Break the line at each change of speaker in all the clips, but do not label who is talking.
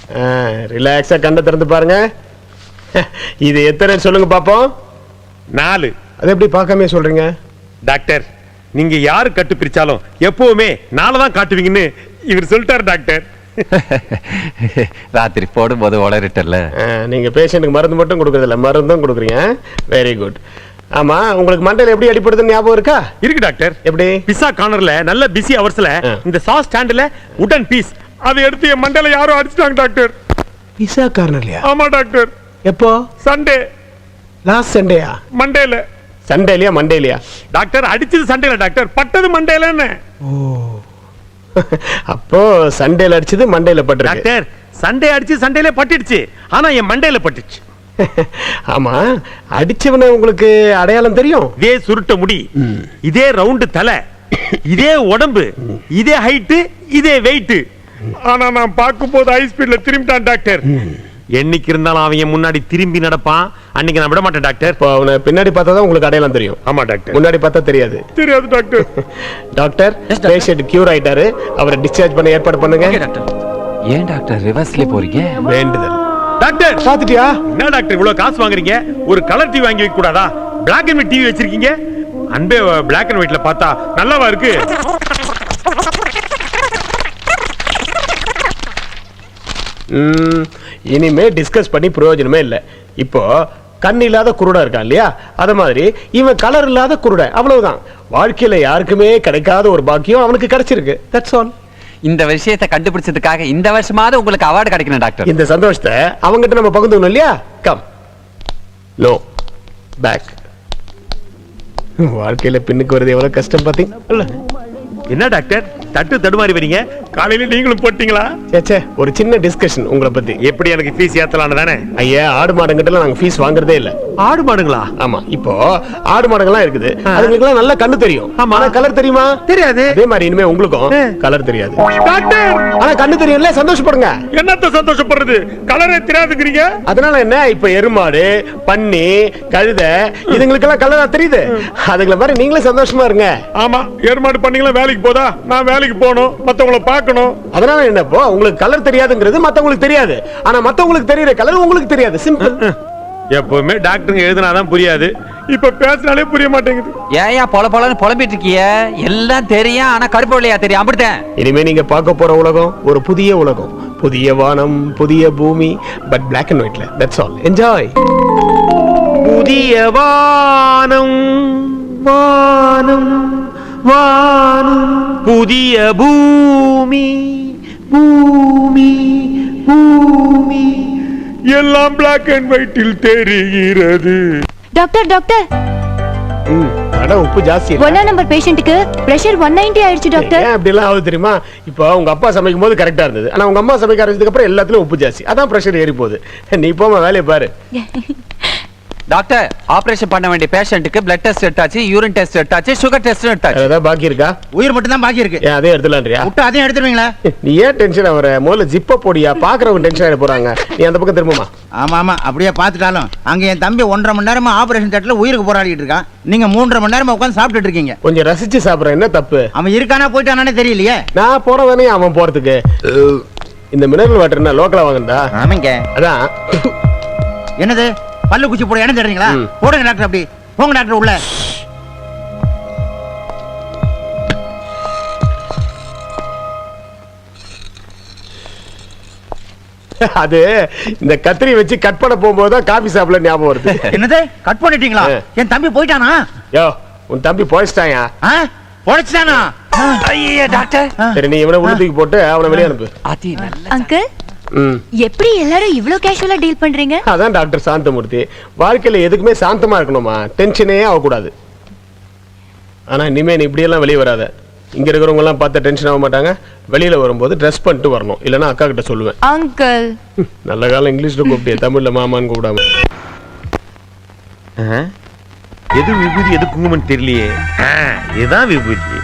ரிலாக்ஸா கண்ணை திறந்து பாருங்க. இது எத்தனை சொல்லுங்க பாப்போம்.
4.
அது எப்படி பார்க்காம சொல்றீங்க?
டாக்டர், நீங்க யாரு கட்டு பிரிச்சாலும் எப்பவுமே 4 தான் காட்டுவீங்கன்னு இவர் சொல்லிட்டாரு டாக்டர்.
ராத்திரி போடும்போது உளறிட்டல.
நீங்க பேஷண்ட்டுக்கு மருந்து மட்டும் கொடுக்கறதில்ல, மருந்தும் கொடுக்குறீங்க. Very good. ஆமா, உங்களுக்கு மண்டையில எப்படி அடிப்படுதுன்னு ஞாபகம் இருக்கா?
இருக்கு டாக்டர்.
எப்படி?
பிஸா கார்னர்ல நல்ல பிஸி அவர்ஸ்ல இந்த சாஸ் ஸ்டாண்ட்ல உடன் பீஸ் அதை எடுத்து என் மண்டையில யாரோ அடிச்சிட்டாங்க டாக்டர்.
பிஸா கார்னர்லயா?
ஆமா டாக்டர்.
எப்போ?
சண்டே.
லாஸ்ட் சண்டேயா?
மண்டேல.
சண்டேலியா மண்டேலியா?
டாக்டர் அடிச்சது சண்டேல டாக்டர், பட்டது மண்டேலன்னு.
ஓ, அப்போ சண்டேல அடிச்சது மண்டேல பட்டுருக்கு.
டாக்டர், சண்டே அடிச்சு சண்டேல பட்டுடுச்சு, ஆனா என் மண்டேல பட்டுச்சு.
ஆமா, அடிச்சவன உங்களுக்கு அடையாளம் தெரியும்?
இதே சுருட்ட முடி, இதே ரவுண்டு தலை, இதே உடம்பு, இதே ஹைட், இதே வெயிட். ஆனா நான் பார்க்கும் போது ஹை ஸ்பீட்ல திரும்பிட்டான் டாக்டர். என்னைக்கு இருந்தாலும் அவன் முன்னாடி திரும்பி நடப்பான். அன்னைக்கு நான் விட மாட்டேன் டாக்டர்.
இப்போ அவனை பின்னாடி பார்த்தா தான் உங்களுக்கு அடையாளம் தெரியும்.
ஆமா டாக்டர்.
முன்னாடி பார்த்தா தெரியாது.
தெரியாது டாக்டர்.
டாக்டர், பேஷண்ட் கியூர் ஆயிட்டாரு. அவரை டிஸ்சார்ஜ் பண்ண ஏற்பாடு பண்ணுங்க.
ஏன் டாக்டர் ரிவர்ஸ்ல போறீங்க?
வேண்டுதல்.
டாக்டர்
பாத்துட்டியா?
என்ன டாக்டர் இவ்வளவு காசு வாங்குறீங்க? ஒரு கலர் டிவி வாங்கி வைக்க கூடாதா? பிளாக் அண்ட் ஒயிட் டிவி வச்சிருக்கீங்க. அன்பே பிளாக் அண்ட் ஒயிட்ல பார்த்தா நல்லாவா இருக்கு?
இனிமே டிஸ்கஸ் பண்ணி பிரயோஜனமே இல்லை. இப்போ கண் இல்லாத குருடா இருக்கான் இல்லையா, அத மாதிரி இவன் கலர் இல்லாத குருட. அவ்வளவுதான். வாழ்க்கையில யாருக்குமே கிடைக்காத ஒரு பாக்கியம் அவனுக்கு கிடைச்சிருக்கு. That's all.
இந்த விஷயத்தை கண்டுபிடிச்சதுக்காக இந்த வருஷமாவது உங்களுக்கு அவார்டு கிடைக்கணும் டாக்டர்.
இந்த சந்தோஷத்தை அவங்கிட்ட நம்ம பகிர்ந்துக்கணும் இல்லையா? கம். No back. வாழ்க்கையில பின்னுக்கு வருது எவ்வளவு கஷ்டம் பாத்தீங்க.
என்ன டாக்டர் தட்டு தடுமாறி வரீங்க? காலையில நீங்களும் போட்டீங்களா?
சேச்சே, ஒரு சின்ன டிஸ்கஷன் உங்களை பத்தி.
எப்படி எனக்கு ஃபீஸ் ஏத்தலாம்னு தானே?
ஐயா, ஆடு மாடுங்கிட்ட நாங்க ஃபீஸ் வாங்குறதே இல்ல.
ஆடு மாடுங்களா?
ஆமா, இப்போ ஆடு மாடுகள்லாம் இருக்குது. அதுங்களுக்குலாம் நல்ல கண்ணு தெரியும். ஆனா கலர் தெரியுமா?
தெரியாது.
அதே மாதிரி இனிமே உங்களுக்கும் கலர் தெரியாது
டாக்டர்.
ஆனா கண்ணு தெரியும்ல, சந்தோஷப்படுங்க.
என்னத்த சந்தோஷப்படுறது? கலரே தெரியாதுங்கறீங்க.
அதனால என்ன, இப்ப எருமாடு, பன்னி, கழுதை இதுங்களுக்கெல்லாம் கலரா தெரியுது. அதுங்கள மாதிரி நீங்களே சந்தோஷமா இருங்க.
ஆமா, எருமாடு பண்ணீங்களா வேலைக்கு போதா? நான் வேலைக்கு போகணும், மத்தவங்கள பார்க்கணும்.
அதனால என்னப்போ உங்களுக்கு கலர் தெரியாதுங்கிறது மத்தவங்களுக்கு தெரியாது. ஆனா மத்தவங்களுக்கு தெரியுற கலர் உங்களுக்கு தெரியாது. சிம்பிள்.
எப்பவுமே டாக்டருங்க எழுதுனாதான் புரியாது. இப்ப பேசினாலே புரிய மாட்டேங்குது.
ஏயா பொல பொலன்னு புலம்பிட்டு இருக்கிய? எல்லாம் தெரியும், ஆனா கருப்பு வெள்ளையா தெரியும். அப்படித்தான்.
இனிமே நீங்க பார்க்க போற உலகம் ஒரு புதிய உலகம். புதிய வானம், புதிய பூமி, பட் பிளாக் அண்ட் ஒயிட்ல. That's all. என்ஜாய்.
புதிய வானம், வானம், வானம், புதிய பூமி, பூமி, பூமி, எல்லாம் பிளாக் அண்ட் ஒயிட்டில் தெரிகிறது.
டாக்டர் டாக்டர்,
அட உப்பு ஜாஸ்தி.
1 நம்பர் பேஷண்ட்டுக்கு பிரஷர் 190 ஆயிடுச்சு டாக்டர்.
ஏன் அப்படி எல்லாம் ஆகுது தெரியுமா? இப்போ உங்க அப்பா சமைக்கும் போது கரெக்டா இருந்தது, ஆனா உங்க அம்மா சமைக்க ஆரம்பிச்சதுக்கு அப்புறம் எல்லாத்துலயும் உப்பு ஜாஸ்தி. அதான் பிரஷர் ஏறி போகுது. நீ போமா வேலையை பாரு.
டாக்டர், ஆபரேஷன் பண்ண வேண்டிய பேஷண்ட்டுக்கு பிளட் டெஸ்ட் எடுத்தாச்சு, யூரின் டெஸ்ட் எடுத்தாச்சு, சுகர் டெஸ்ட் எடுத்தாச்சு.
ஏதாவது பாக்கி இருக்கா?
உயிர் மட்டும் தான் பாக்கி இருக்கு.
ஏன் அதே எடுத்துலான்றியா?
விட்டு அதையும் எடுத்துருவீங்களா?
நீ ஏன் டென்ஷன் ஆவற? முதல்ல ஜிப்ப போடியா. பாக்குறவங்க டென்ஷன் ஆயிட போறாங்க. நீ அந்த பக்கம் திரும்புமா.
ஆமா ஆமா, அப்படியே பாத்துட்டாலும் அங்க என் தம்பி 1.5 மணி நேரமா ஆபரேஷன் தேட்டர்ல உயிருக்கு போராடிட்டு இருக்கான். நீங்க 3.5 மணி நேரமா உட்கார்ந்து சாப்பிட்டுட்டு இருக்கீங்க.
கொஞ்சம் ரசிச்சு சாப்பிடுற. என்ன தப்பு?
அவன் இருக்கானா போயிட்டானே தெரியலையே.
நான் போறதானே அவன் போறதுக்கு. இந்த மினரல் வாட்டர் என்ன லோக்கலா வாங்குறதா?
ஆமாங்க.
அதான்.
என்னது பல்லு குச்சி போட இடம் தேடுறீங்களா? போடுங்க டாக்டர். அப்படி போங்க டாக்டர் உள்ள.
அது இந்த கத்திரி வச்சு கட் பண்ண போகும்போது தான் காபி சாப்பிட ஞாபகம் வருது.
என்னது கட் பண்ணிட்டீங்களா? என் தம்பி போயிட்டானா?
யோ, உன் தம்பி போயிட்டாயா?
போயிடுச்சானா?
ஐயே டாக்டர்.
சரி, நீ இவனை உள்ள தூக்கி போட்டு அவனை வெளியே அனுப்பு.
அதி நல்ல
அங்கிள், எப்படி எல்லாரும் இவ்ளோ கேஷுவலா டீல் பண்றீங்க?
அதான் டாக்டர் சாந்தமூர்த்தி. வாழ்க்கையில எதுக்குமே சாந்தமா இருக்கணுமா, டென்ஷனே ஆகக்கூடாது. ஆனா இனிமே நீ இப்படி எல்லாம் வெளியே வராத. இங்க இருக்கிறவங்க எல்லாம் பார்த்து டென்ஷன் ஆக மாட்டாங்க. வெளியில வரும்போது ட்ரெஸ் பண்ணிட்டு வரணும், இல்லன்னா அக்கா கிட்ட சொல்லுவேன்.
அங்கிள்,
நல்ல காலம் இங்கிலீஷ்ல கூப்பிட்டே, தமிழ்ல மாமான்னு கூப்பிடாம.
எது விபூதி எது குங்குமம் தெரியலையே. இதுதான் விபூதி.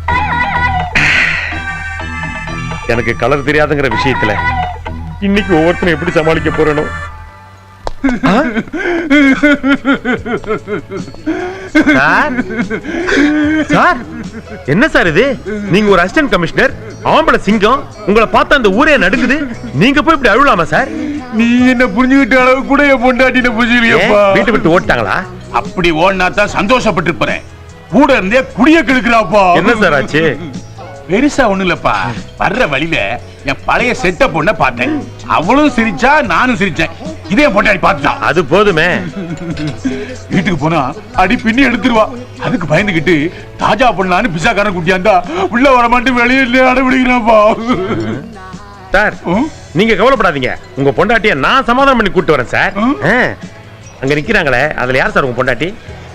எனக்கு கலர் தெரியாதுங்கிற விஷயத்துல இன்னைக்கு ஒவ்வொருத்தரும் எப்படி சமாளிக்க போறேனோ. சார், என்ன சார் இது? நீங்க ஒரு அசிஸ்டன்ட் கமிஷனர், ஆம்பளை சிங்கம் உங்களை பார்த்தா அந்த ஊரே நடுக்குது. நீங்க போய் இப்படி அழுவலாமா சார்?
நீ என்ன புரிஞ்சுக்கிட்ட அளவு கூட என் பொண்டாட்டின புரிஞ்சுக்கலையப்பா.
வீட்டு விட்டு ஓட்டாங்களா?
அப்படி ஓடினா தான் சந்தோஷப்பட்டிருப்பேன். கூட இருந்தே குடிய கெடுக்கிறாப்பா.
என்ன சார் ஆச்சு?
பெருசா ஒண்ணு இல்லப்பா. வர்ற வழியில என் பழைய செட்ட பொண்ண பார்த்தேன். அவளும் சிரிச்சா, நானும் சிரிச்சேன். இதே பொண்டாட்டி பார்த்துட்டான்.
அது போதுமே.
வீட்டுக்கு போனா அடி பின்னி எடுத்துருவா. அதுக்கு பயந்துகிட்டு தாஜா பண்ணலான்னு பிசாக்காரன் குட்டியாண்டா உள்ள வரமாட்டு வெளியே அடம்பிடிக்கிறாப்பா.
சார் நீங்க கவலைப்படாதீங்க, உங்க பொண்டாட்டிய நான் சமாதானம் பண்ணி கூட்டு வரேன் சார். அங்க நிக்கிறாங்களே, அதுல யார் சார் உங்க பொண்டாட்டி?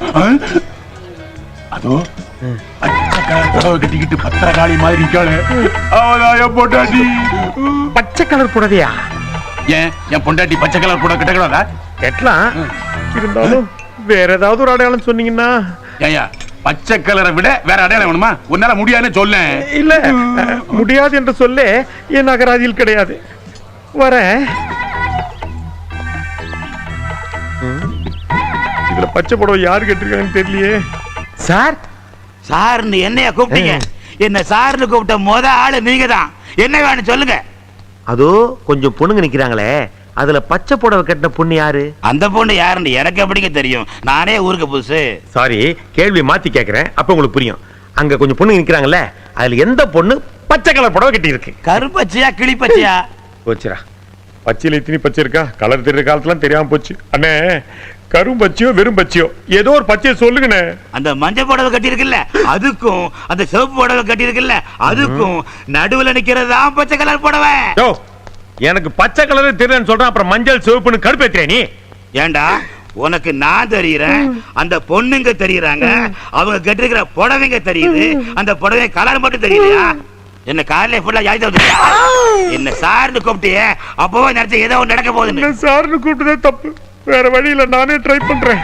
அதோ கட்டிக்கிட்டு பத்திரகாளி மாதிரி இருக்காளே, அவதான் என் பொண்டாட்டி.
பச்சை கலர் புடவையா?
ஏன் என் பொண்டாட்டி பச்சை கலர் புடவை கட்டக்கூடாதா?
கட்டலாம், இருந்தாலும் வேற ஏதாவது ஒரு அடையாளம் சொன்னீங்கன்னா.
ஏயா பச்சை கலரை விட வேற அடையாளம் வேணுமா? உன்னால முடியாதுன்னு சொல்ல.
இல்ல முடியாது என்று சொல்ல என் அகராதியில் கிடையாது. வரேன். இதுல பச்சை புடவை யாரு கேட்டிருக்காங்கன்னு தெரியலையே. சார்
சார்னு என்னைய கூப்பிட்டீங்க? என்ன சார்னு கூப்பிட்ட முத ஆளு நீங்க தான். என்ன வேணும் சொல்லுங்க.
அதோ கொஞ்சம் பொண்ணுங்க நிக்கிறாங்களே, அதுல பச்சை புடவை கட்டின பொண்ணு யாரு?
அந்த பொண்ணு யாருன்னு எனக்கு எப்படிங்க தெரியும்? நானே ஊருக்கு புதுசு.
சாரி, கேள்வி மாத்தி கேக்குறேன், அப்ப உங்களுக்கு புரியும். அங்க கொஞ்சம் பொண்ணுங்க நிக்கிறாங்கல்ல, அதுல எந்த பொண்ணு பச்சை கலர் புடவை கட்டி இருக்கு?
கருப்பச்சையா கிளிப்பச்சையா?
போச்சுரா, பச்சையில இத்தனி பச்சை இருக்கா? கலர் தெரியற காலத்துல தெரியாம போச்சு. அண்ணே, கரும் பச்சையோ வெறும் பச்சையோ ஏதோ ஒரு பச்சையை சொல்லுங்கண்ணே.
அந்த மஞ்சள் புடவை கட்டி இருக்குல்ல அதுக்கும், அந்த சிவப்பு புடவை கட்டி இருக்குல்ல அதுக்கும் நடுவுல நிக்கிறதா பச்சை கலர் புடவை.
எனக்கு பச்சை கலர் தெரியலன்னு சொல்றேன், அப்புறம் மஞ்சள் சிவப்புன்னு கடுப்பேத்துறேன் நீ.
ஏண்டா உனக்கு நான் தெரியறேன், அந்த பொண்ணுங்க தெரியறாங்க, அவங்க கட்டிருக்கிற புடவைங்க தெரியுது, அந்த புடவை கலர் மட்டும் தெரியலையா? என்ன காலையில ஃபுல்லா யாய்தா வந்துட்டியா? என்ன சார்னு கூப்பிட்டியே, அப்பவே நினைச்ச ஏதோ ஒன்று நடக்க போகுதுன்னு.
சார்னு கூப்பிட்டதே தப்பு, வேற வழியில நானே ட்ரை பண்றேன்.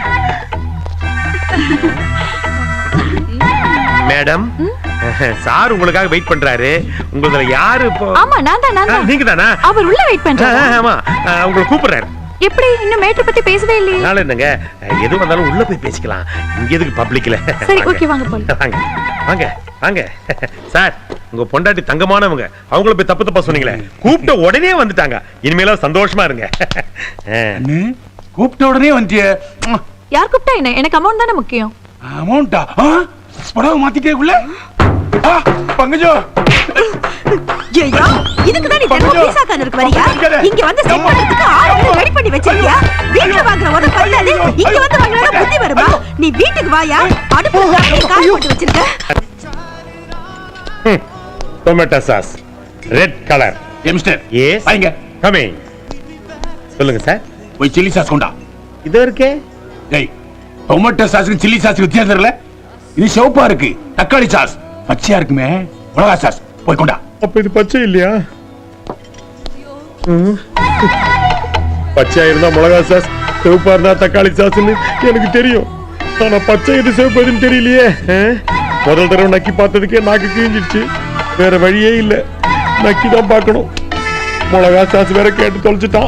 மேடம், சார் உங்களுக்காக வெயிட் பண்றாரு. உங்களதுல யாரு இப்போ?
ஆமா நான் தான்.
நீங்க தானா?
அவர் உள்ள வெயிட் பண்றாரு.
ஆமா, உங்களை கூப்பிடுறாரு.
எப்படி இன்னும் மேட்டர் பத்தி பேசவே இல்லையே?
நாள என்னங்க, எது வந்தாலும் உள்ள போய் பேசிக்கலாம், இங்க எதுக்கு பப்ளிக்ல?
சரி ஓகே வாங்க போலாம்.
வாங்க வாங்க வாங்க. சார் உங்க பொண்டாட்டி தங்கமானவங்க, அவங்கள போய் தப்பு தப்பா சொன்னீங்களே, கூப்பிட்ட உடனே வந்துட்டாங்க. இனிமேல சந்தோஷமா இருங்க.
கூப்பிட்ட உடனே வந்துட்டிய.
யார் கூப்பிட்டா என்ன? எனக்கு அமௌண்ட் தானே முக்கியம்.
அமௌண்டா? புடவை மாத்திட்டேக்குள்ள பங்கஜோ.
ஐயா இதுக்கு தான் நீ தினமும் பீஸா கார்னருக்கு வரியா? இங்க வந்து செட் பண்றதுக்கு ஆளு ரெடி பண்ணி வச்சிருக்கியா? வீட்ல வாங்குற ஒரு பல்லாது இங்க வந்து வாங்குறா புத்தி வருமா? நீ வீட்டுக்கு வாயா, அடுப்புல காய் போட்டு வச்சிருக்க.
Tomato sauce red colour.
Mister
S
வாங்க.
கமிங். சொல்லுங்க சார்.
போய் சில்லி சாஸ் கொண்டா.
இது இருக்கே.
டேய், டொமேட்டோ சாஸ்க்கு சில்லி சாஸ்க்கு வித்தியாசம் தெரியல? இது சிவப்பா இருக்கு, தக்காளி சாஸ் பச்சையா இருக்குமே மிளகா சாஸ். போய் கொண்டா.
அப்ப இது பச்சை இல்லையா? பச்சையா இருந்தா மிளகா சாஸ், சிவப்பா இருந்தா தக்காளி சாஸ்ன்னு எனக்கு தெரியும். ஆனா பச்சை இது சிவப்பு எதுன்னு தெரியலையே. முதல் தடவை நக்கி பார்த்ததுக்கே நாக்கு கிழிஞ்சிடுச்சு. வேற வழியே இல்ல, நக்கி தான் பார்க்கணும். மிளகா சாஸ் வேற கேட்டு தொலைச்சிட்டான்.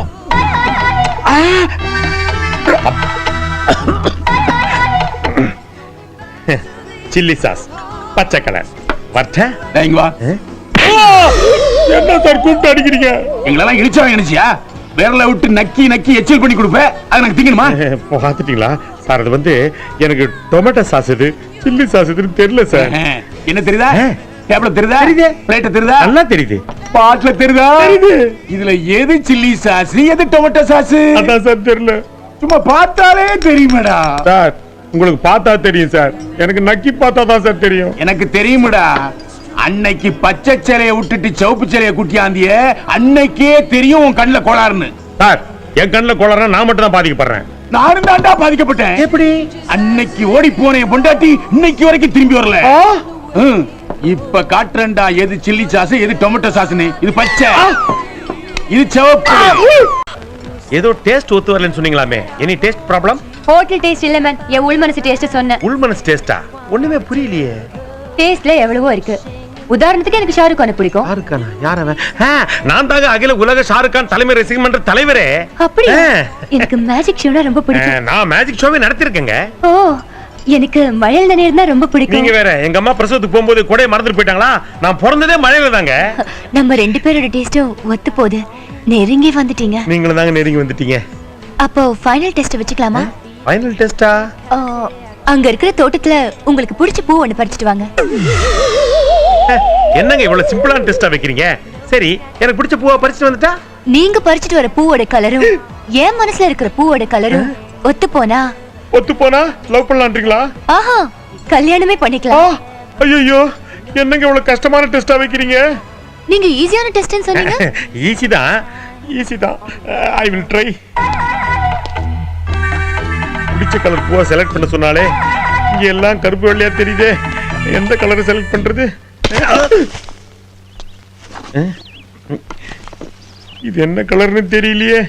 சில்லி சாஸ் பச்சை கலர்.
இங்க வா.
என்ன சார் கூப்பிட்டு அடிக்கிறீங்க?
எங்களெல்லாம் இழிச்சவன் நினைச்சியா? விரல விட்டு நக்கி நக்கி எச்சில் பண்ணி கொடுப்பேன், அது எனக்கு திங்கணுமா?
பாத்துட்டீங்களா சார்? அது வந்து எனக்கு டொமேட்டோ சாஸ் இது சில்லி சாஸ் இதுன்னு தெரியல சார்.
என்ன தெரியுதா? டேபிள்ல தெரியுதா? பிளேட்ல தெரியுதா?
நல்லா தெரியுது.
பாட்ல தெரியுதா? இதுல எது சில்லி சாஸ் எது டொமேட்டோ சாஸ்?
அதான் சார் தெரியல.
சும்மா பார்த்தாலே தெரியுமேடா.
சார் உங்களுக்கு பார்த்தா தெரியும் சார், எனக்கு நக்கி பார்த்தா தான் சார் தெரியும்.
எனக்கு தெரியுமேடா. அன்னைக்கு பச்சை சேலையை விட்டுட்டு சிவப்பு சேலையை குட்டியாந்திய அன்னைக்கே தெரியும் உன் கண்ணுல கோளாறுன்னு.
சார் என் கண்ணுல கோளாறுனா நான் மட்டும் தான் பாதிக்கப்படுறேன்.
நானும் தாண்டா பாதிக்கப்பட்டேன்.
எப்படி?
அன்னைக்கு ஓடி போன என் பொண்டாட்டி இன்னைக்கு வரைக்கும் திரும்பி வரல. இப்ப காட்டுறேன்டா எது சில்லி சாஸ் எது டொமேட்டோ சாஸ்னு. இது பச்சை, இது சிவப்பு.
ஏதோ டேஸ்ட் ஒத்து வரலன்னு சொன்னீங்களாமே, any taste problem?
Hotel taste இல்ல மேம், என் உள்மனசு டேஸ்ட் சொன்னேன்.
உள்மனசு டேஸ்டா? ஒண்ணுமே புரியலையே.
டேஸ்ட்ல எவ்வளவோ இருக்கு. உதாரணத்துக்கு எனக்கு ஷாருக் கான பிடிக்கும்.
ஷாருக்கானா? யார் அவன்? நான் தாங்க அகில உலக ஷாருக் கான் தலைமை ரசிகர் மன்ற தலைவரே.
அப்படியே எனக்கு மேஜிக் ஷோனா ரொம்ப பிடிக்கும்.
நான் மேஜிக் ஷோவே நடத்திருக்கேங்க.
ஓ எனக்கு மழையில் நனையிறதுனா ரொம்ப
நீங்க
பிடிக்கும்.
வேற எங்க அம்மா பிரசவத்துக்கு போகும்போது கொடையை மறந்துட்டு போயிட்டாங்களா? நான் பிறந்ததே மழையில தாங்க.
நம்ம 2 பேரோட டேஸ்டும் ஒத்து போகுது. நெருங்கி வந்துட்டீங்க.
நீங்களும் தாங்க நெருங்கி வந்துட்டீங்க.
அப்போ ஃபைனல் டெஸ்ட் வச்சுக்கலாமா?
ஃபைனல் டெஸ்டா?
அங்க இருக்கிற தோட்டத்துல உங்களுக்கு பிடிச்ச பூ ஒண்ணு பறிச்சிட்டு வாங்க.
என்னங்க இவ்வளவு சிம்பிளான டெஸ்டா வைக்கிறீங்க? சரி, எனக்கு பிடிச்ச பூவா பறிச்சிட்டு வந்துட்டா?
நீங்க பறிச்சிட்டு வர பூவோட கலரும் என் மனசுல இருக்கிற பூவோட கலரும் ஒத்து போனா
ஒத்து போனா லவ் பண்ணலான்றீங்களா?
ஆஹா, கல்யாணமே பண்ணிக்கலாம்.
ஐயோ, என்னங்க இவ்வளவு கஷ்டமான டெஸ்டா வைக்கிறீங்க?
நீங்க ஈஸியான டெஸ்ட்னு சொன்னீங்க.
ஈஸி தான். I will try. பிடிச்ச கலர் பூவா செலக்ட் பண்ண சொன்னாலே இங்க எல்லாம் கருப்பு வெள்ளையா தெரியுதே. எந்த கலரை செலக்ட் பண்றது? இது என்ன கலர்னு தெரியலையே.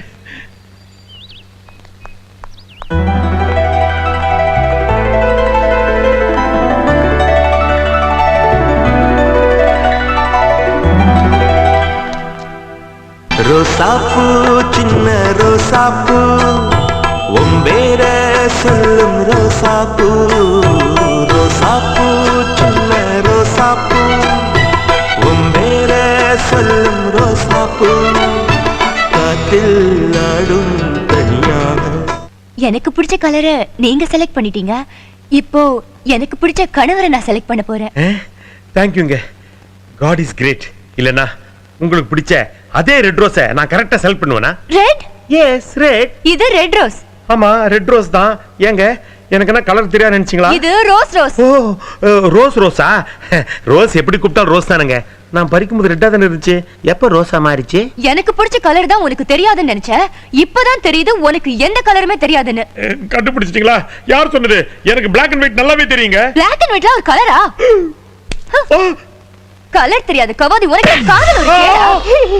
ரோசாப்பூ சின்ன ரோசாப்பூ ஒம்பேர சொல்லும் ரோசாப்பூ ரோசாப்பூ சின்ன ரோசாப்பூ ஒம்பேர சொல்லும் ரோசாப்பூ காற்றில் ஆடும் தனியாக.
எனக்கு பிடிச்ச கலரை நீங்க செலக்ட் பண்ணிட்டீங்க. இப்போ எனக்கு பிடிச்ச கணவரை நான் செலக்ட் பண்ண போறேன்.
தேங்க்யூங்க. God is great. இல்லனா உங்களுக்கு பிடிச்ச அதே ரெட் ரோஸை நான் கரெக்டா செலக்ட் பண்ணுவேனா?
ரெட்?
Yes, red.
இது ரெட் ரோஸ்.
ஆமா, ரெட் ரோஸ் தான். ஏங்க எனக்கு என்ன கலர் தெரியாது நினைச்சீங்களா?
இது ரோஸ் ரோஸ்.
ஓ, ரோஸா? ரோஸ் எப்படி கூப்பிட்டாலும் ரோஸ் தானுங்க. நான் பறிக்கும்போது ரெட்டா தானே இருந்துச்சு. எப்ப ரோஸா மாறிச்சு?
எனக்கு பிடிச்ச கலர் தான் உனக்கு தெரியாதுன்னு நினைச்சேன். இப்பதான் தெரியுது உனக்கு எந்த கலருமே தெரியாதுன்னு.
கண்டுபிடிச்சிட்டீங்களா? யார் சொன்னது? எனக்கு Black and White நல்லாவே தெரியுங்க.
Black and Whiteல ஒரு கலரா? கலர் தெரியாது கவாதி, உனக்கு காதல் ஒரு கேடா?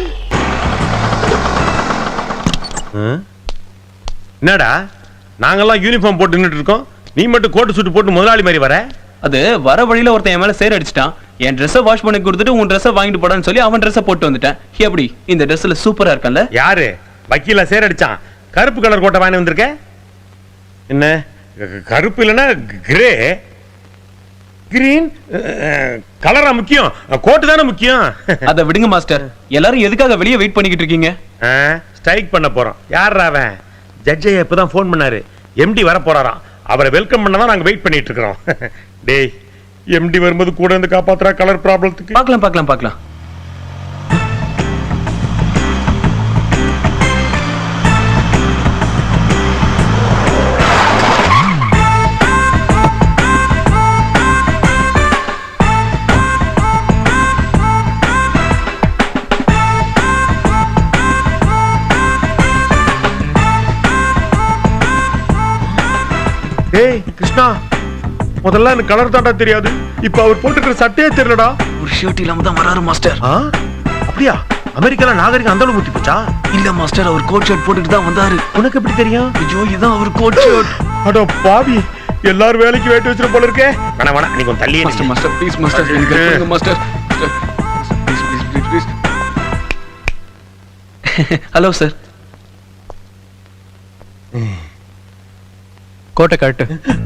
என்னடா நாங்கெல்லாம் யூனிஃபார்ம் போட்டு நின்னுட்டு இருக்கோம், நீ மட்டும் கோட் சூட் போட்டு முதலாளி மாதிரி வர?
அது வர வழியில ஒருத்தன் என் மேல சேர் அடிச்சிட்டான். என் ட்ரெஸ்ஸை வாஷ் பண்ணி கொடுத்துட்டு உன் ட்ரெஸ்ஸை வாங்கிட்டு போடான்னு சொல்லி அவன் ட்ரெஸ்ஸை போட்டு வந்துட்டேன். எப்படி இந்த ட்ரெஸ்ல சூப்பரா இருக்கல?
யாரு வக்கீல சேர் அடிச்சான்? கருப்பு கலர் கோட்டை வாங்கி வந்திருக்க. என்ன கருப்பு இல்லைன்னா கிரே கிரீன் கலரா முக்கியம்? கோட்டு தானே முக்கியம்.
அதை விடுங்க மாஸ்டர். எல்லாரும் எதுக்காக வெளியே வெயிட் பண்ணிக்கிட்டு இருக்கீங்க?
ஸ்ட்ரைக் பண்ண போறோம். யாரா அவன்? ஜட்ஜை இப்பதான் ஃபோன் பண்ணாரு. எம்டி வர போறாராம். அவரை வெல்கம் பண்ணதான் நாங்க வெயிட் பண்ணிட்டு இருக்கிறோம். டேய், எம்டி வரும்போது கூட இருந்து காப்பாத்துறா கலர் ப்ராப்ளத்துக்கு.
பார்க்கலாம்.
ஏய் கிருஷ்ணா, முதல்ல எனக்கு கலர் தாண்டா தெரியாது. இப்ப அவர் போட்டுக்கிற சட்டையே தெரியலடா.
ஒரு ஷர்ட் இல்லாம தான் வராரு மாஸ்டர்.
அப்படியா? அமெரிக்கால நாகரிகம் அந்த அளவு ஊத்தி போச்சா?
இல்ல மாஸ்டர், அவர் கோட் ஷர்ட் போட்டுட்டு தான் வந்தாரு.
உனக்கு எப்படி தெரியும்?
ஐயோ, இதான் அவர் கோட் ஷர்ட்.
அட பாவி, எல்லாரும் வேலைக்கு வேட்டு வச்சிட்டு போல இருக்கே. வேணா நீ கொஞ்சம் தள்ளியே
மாஸ்டர். மாஸ்டர் ப்ளீஸ் மாஸ்டர், எனக்கு கொடுங்க மாஸ்டர். ப்ளீஸ். Hello sir.
கோட்டை கட்டு.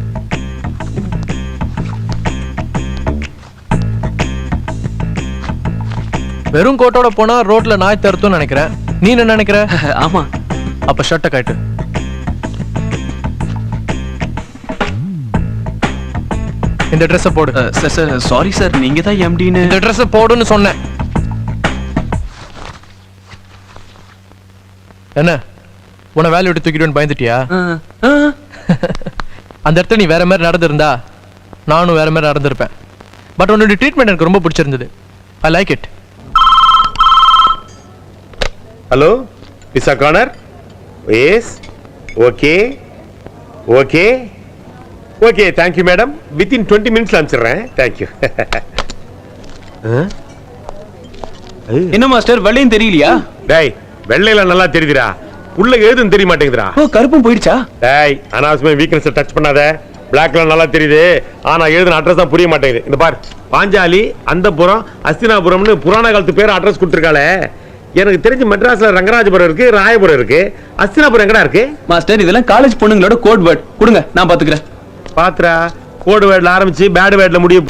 வெறும் கோட்டோட போனா ரோட்ல நாய் தருத்தும் நினைக்கிறேன். நீ என்ன நினைக்கிற?
ஆமா.
அப்ப ஷர்ட்டை கட்டு. இந்த ட்ரெஸ் போடு.
சார் சாரி சார், நீங்க தான் எம்டின்னு.
இந்த ட்ரெஸ் போடுன்னு சொன்னேன். என்ன உன வேலை விட்டு தூக்கிடுவேன்னு பயந்துட்டியா? அந்த இடத்துல நீ வேற மாதிரி நடந்திருந்தா நானும் வேற மாதிரி நடந்திருப்பேன். பட் உன்னோட ட்ரீட்மெண்ட் எனக்கு ரொம்ப பிடிச்சிருந்தது. I like it.
Hello pizza corner. Yes, okay thank you madam. Within 20 மினிட்ஸ்ல அனுப்பிச்சிடுறேன். தேங்க்யூ.
என்ன மாஸ்டர், வெள்ளையும் தெரியலையா?
டேய், வெள்ளையில நல்லா தெரியுதுடா, உள்ள எழுதுன்னு தெரிய மாட்டேங்குதுடா.
ஓ, கருப்பும் போயிடுச்சா?
டேய், அனாவசியமா வீக்னஸ் டச் பண்ணாத. பிளாக்ல நல்லா தெரியுது, ஆனா எழுதுன அட்ரஸ் தான் புரிய மாட்டேங்குது. இந்த பார், பாஞ்சாலி, அந்தபுரம், அஸ்தினாபுரம்னு புராண காலத்து பேர் அட்ரஸ் கொடுத்துருக்காளே. எனக்கு தெரிஞ்சு மெட்ராஸ்ல ரங்கராஜபுரம் இருக்கு, ராயபுரம் இருக்கு. அஸ்தினாபுரம் எங்கடா இருக்கு?
மாஸ்டர், இதெல்லாம் காலேஜ் பொண்ணுங்களோட கோட் வேர்ட். கொடுங்க, நான் பாத்துக்கிறேன்.
பாத்ரா, கோடு வேர்ட்ல ஆரம்பிச்சு பேட் வேர்ட்ல முடியும்.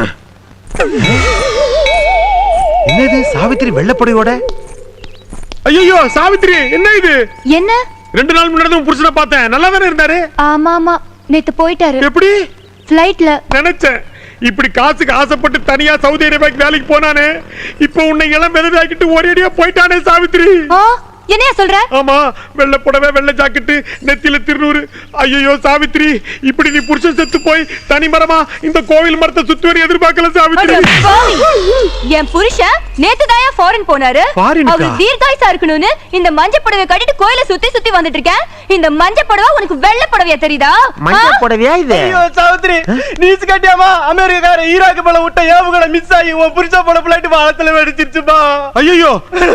என்னது சாவித்திரி வெள்ளப்படையோட? ஐயோ சாவித்திரி, என்ன இது?
என்ன?
2 நாள் முன்னாடி உன் புருஷனை பார்த்தேன், நல்லா தானே இருந்தாரு?
ஆமா ஆமா, நேத்து போயிட்டாரு.
எப்படி?
ஃளைட்ல.
நினைச்சேன் இப்படி காசுக்கு ஆசைப்பட்டு தனியா சவுதி அரேபியாக்கு வேலைக்கு போனானே, இப்போ உன்னை எல்லாம் விதவாக்கிட்டு ஒரேடியா போயிட்டானே சாவித்திரி.
என்னையா சொல்ற?
ஆமா, வெள்ளை புடவை வெள்ளை ஜாக்கெட்டு நெத்தியில திருநூறு. ஐயோ சாவித்திரி, இப்படி நீ புருஷன் செத்து போய் தனிமரமா இந்த கோவில் மரத்தை சுத்தி வர எதிர்பார்க்கல சாவித்திரி.
என் புருஷன் நேத்து தான் ஃபாரின் போனாரு. அவர் தீர்காயுசா இருக்கணும்னு இந்த மஞ்சள் புடவை கட்டிட்டு கோயிலை சுத்தி சுத்தி வந்துட்டு இருக்கேன். இந்த மஞ்சள் புடவை உனக்கு வெள்ளை புடவையா தெரியுதா?
மஞ்சள் புடவையா இது?
ஐயோ சாவித்திரி, நீஸ் கட்டியாமா அமெரிக்கார ஈராக் மேல விட்ட ஏவுகணை மிஸ் ஆகி உன் புருஷன் போன பிளைட் வானத்துல வெடிச்சிருச்சுப்பா.
ஐயோ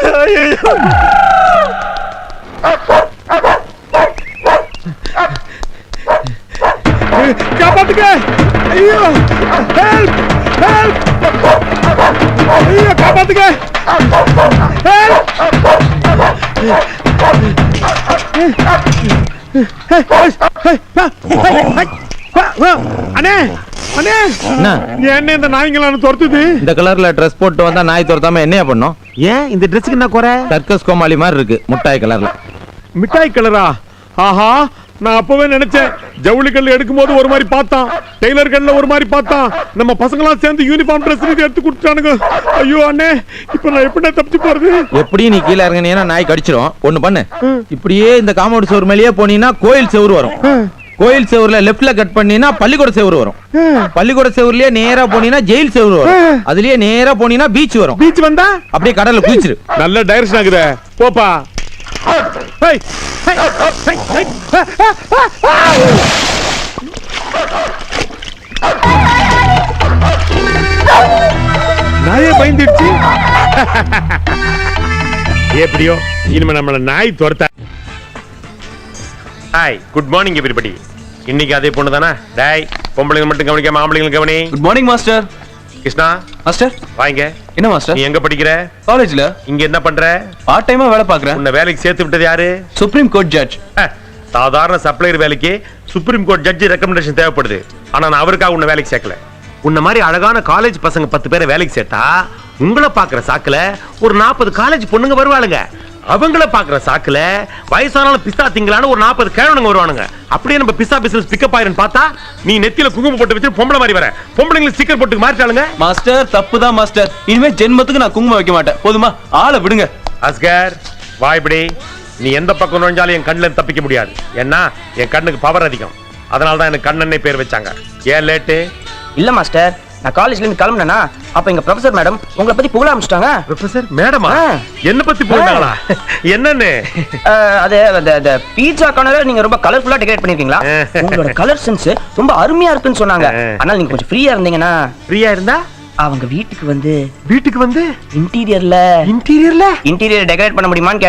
காப்பாத்துங்க. ஐயோ ஹெல்ப் ஹெல்ப். ஐயோ காப்பாத்துங்க. ஹெல்ப். அண்ணே அண்ணே, என்ன இந்த நாய்ங்களான துரத்துது?
இந்த கலர்ல ட்ரெஸ் போட்டு வந்தா நாய் துரத்தாம என்னையா பண்ணும்?
ஏன் இந்த ட்ரெஸ்க்கு என்ன குறை?
சர்க்கஸ் கோமாளி மாதிரி இருக்கு, முட்டாய் கலர்ல.
மிட்டாய் கலரா? ஆஹா, நான் அப்பவே நினைச்சேன் ஜவுளி கல்ல எடுக்கும் போது ஒரு மாதிரி பார்த்தான், டெய்லர் கல்ல ஒரு மாதிரி பார்த்தான், நம்ம பசங்களாம் சேர்ந்து யூனிஃபார்ம் ட்ரெஸ் எடுத்து கொடுத்துட்டானுங்க. ஐயோ அண்ணே, இப்ப நான் எப்படி தப்பிச்சு போறது?
எப்படி நீ கீழே இறங்கினீங்கன்னா நாய் கடிச்சிரும். ஒண்ணு பண்ணு, இப்படியே இந்த காம்பவுண்ட் செவுரு மேலேயே போனீங்கன்னா கோயில் செவுரு வரும். கோயில் செவுருல லெஃப்ட்ல கட் பண்ணீங்கன்னா பள்ளிக்கூட செவுரு வரும். பள்ளிக்கூட செவுருலயே நேரா போனீங்கன்னா ஜெயில் செவுரு வரும். அதுலயே நேரா போனீங்கன்னா பீச் வரும்.
பீச் வந்தா
அப்படியே கடல்ல குளிச்சிரு.
நல்ல டைரக்ஷன் ஆகுதே, போப்பா. நாயே பயந்துடுச்சு. எப்படியோ இனிமே நம்மள நாய் துரத்த. Hi, good morning everybody. இன்னைக்கு அதே பொண்ணு தானே? டேய், பொம்பளைங்க மட்டும் கவனிக்காம ஆம்பளைங்க கவனி.
Good morning master.
Krishna
master
வாங்க.
என்ன மாஸ்டர்?
நீ எங்க படிக்கிற?
காலேஜ்ல.
இங்க என்ன பண்ற?
பார்ட் டைமா வேலை பாக்குறேன்.
உன்னை வேலைக்கு சேர்த்து விட்டது யாரு?
Supreme court judge.
சாதாரண சப்ளையர் வேலைக்கு சுப்ரீம் கோர்ட் ஜட்ஜ் ரெக்கமெண்டேஷன் தேவைப்படுது. ஆனா நான் அவருக்காக உன்னை வேலைக்கு சேர்க்கல. உன்ன மாதிரி அழகான காலேஜ் பசங்க 10 பேரை வேலைக்கு சேர்த்தா உங்களை பாக்குற சாக்குல ஒரு 40 காலேஜ் பொண்ணுங்க வருவாளுங்க. அவங்கள பாக்குற சாக்குல வயசானாலும் பிஸ்தா திங்களான ஒரு 40 கேழனுங்க வருவானுங்க. அப்படியே நம்ம பிஸ்தா பிசினஸ் பிக்கப் ஆயிரன்னு பார்த்தா நீ நெத்தியில குங்குமம் போட்டு வச்சு பொம்பளை மாதிரி வர. பொம்பளைங்களை ஸ்டிக்கர் போட்டு மாறிட்டாளுங்க.
மாஸ்டர் தப்புதான் மாஸ்டர். இனிமே ஜென்மத்துக்கு நான் குங்குமம் வைக்க மாட்டேன். போதுமா? ஆளை விடுங்க.
அஸ்கர் வா. இப்படி நீ எந்த பக்கம் நுழைஞ்சாலும் என் கண்ணுல தப்பிக்க முடியாது. ஏன்னா என் கண்ணுக்கு பவர் அதிகம். அதனால தான் எனக்கு கண்ணனே பேர் வச்சாங்க. ஏன் லேட்டு?
இல்ல மாஸ்டர், நான் காலேஜ்ல இருந்து கிளம்பினேனா அப்ப எங்க ப்ரொஃபசர் மேடம் உங்களை பத்தி புகழ ஆரம்பிச்சிட்டாங்க.
ப்ரொஃபசர் மேடமா? என்ன பத்தி புகழ்ந்தாங்களா? என்னன்னு?
அது அந்த பீட்சா கார்னரை நீங்க ரொம்ப கலர்ஃபுல்லா டெக்கரேட் பண்ணிருக்கீங்களா? உங்களோட கலர் சென்ஸ் ரொம்ப அருமையா இருக்குன்னு சொன்னாங்க. ஆனால் நீங்க கொஞ்சம் ஃப்ரீயா இருந்தீங்கன்னா.
ஃப்ரீயா இருந்தா
அவங்க வீட்டுக்கு வந்து
இன்டீரியர் டெக்கரேட்
பண்ண முடியுமான்னு